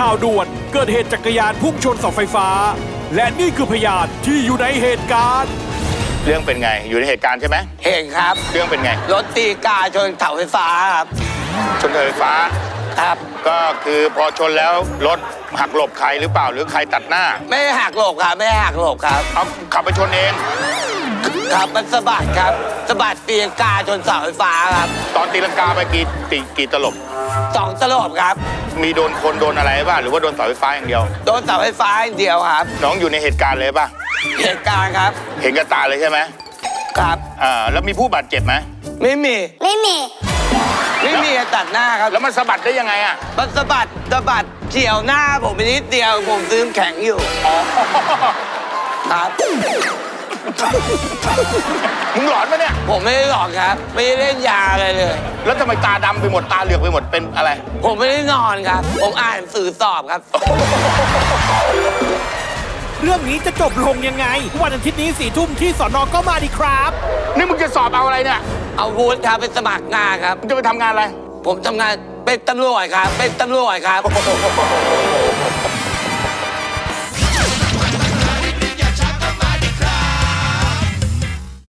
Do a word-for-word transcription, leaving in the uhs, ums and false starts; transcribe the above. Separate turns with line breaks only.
ข่าวด่วนเกิดเหตุจักรยานพุ่งชนเสาไฟฟ้าและนี่คือพยานที่อยู่ในเหตุการณ์
เรื่องเป็นไงอยู่ในเหตุการณ์ใช่ไหม
เห็นครับ
เรื่องเป็นไง
รถตีกาชนเสาไฟฟ้าครับ
ชนเสาไฟฟ้า
ครับ
ก็คือพอชนแล้วรถหักหลบใครหรือเปล่าหรือใครตัดหน้า
ไม่หักหลบครับไม่หักหลบครับ
เอาขับไปชนเอง
ครับมันสะบัดครับสะบัดตีกาชนเสาไฟฟ้าครับ
ตอนตีลังกาไปกี่ตีกี่ตลบ
สองตลบครับ
มีโดนคนโดนอะไรบ้างหรือว่าโดนเสาไฟฟ้าอย่างเดียว
โดนเสาไฟฟ้าอย่างเดียวครับ
น้องอยู่ในเหตุการณ์เลยป่ะ
เหตุการณ์ครับ
เห็นกับตาเลยใช่ไหม
ครับ
อ่าแล้วมีผู้บาดเจ็บไหม
ไม่มี
ไม่มี
ไม่มีตัดหน้าครับ
แล้วมันสะบัดได้ยังไงอ่ะ
มันสะบัดสะบัดเฉียวหน้าผมไปนิดเดียวผมซื้อแข็งอยู่ครับ
มึงหลอนปะเนี่ย
ผมไม่ได้หลอนครับไม่ได้เล่นยาอะไรเลย
แล้วทำไมตาดำไปหมดตาเหลือกไปหมดเป็นอะไร
ผมไม่ได้นอนครับผมอ่านสื่อสอบครับ
เรื่องนี้จะจบลงยังไงวันอาทิตย์นี้สี่ทุ่มที่สน.ก็มาดีครับ
นี่มึงจะสอบเอาอะไรเนี่ย
เอาวุฒิครับไปสมัครงานครับ
มึงจะไปทำงานอะไร
ผมทำงานเป็นตำรวจครับเป็นตำรวจครับ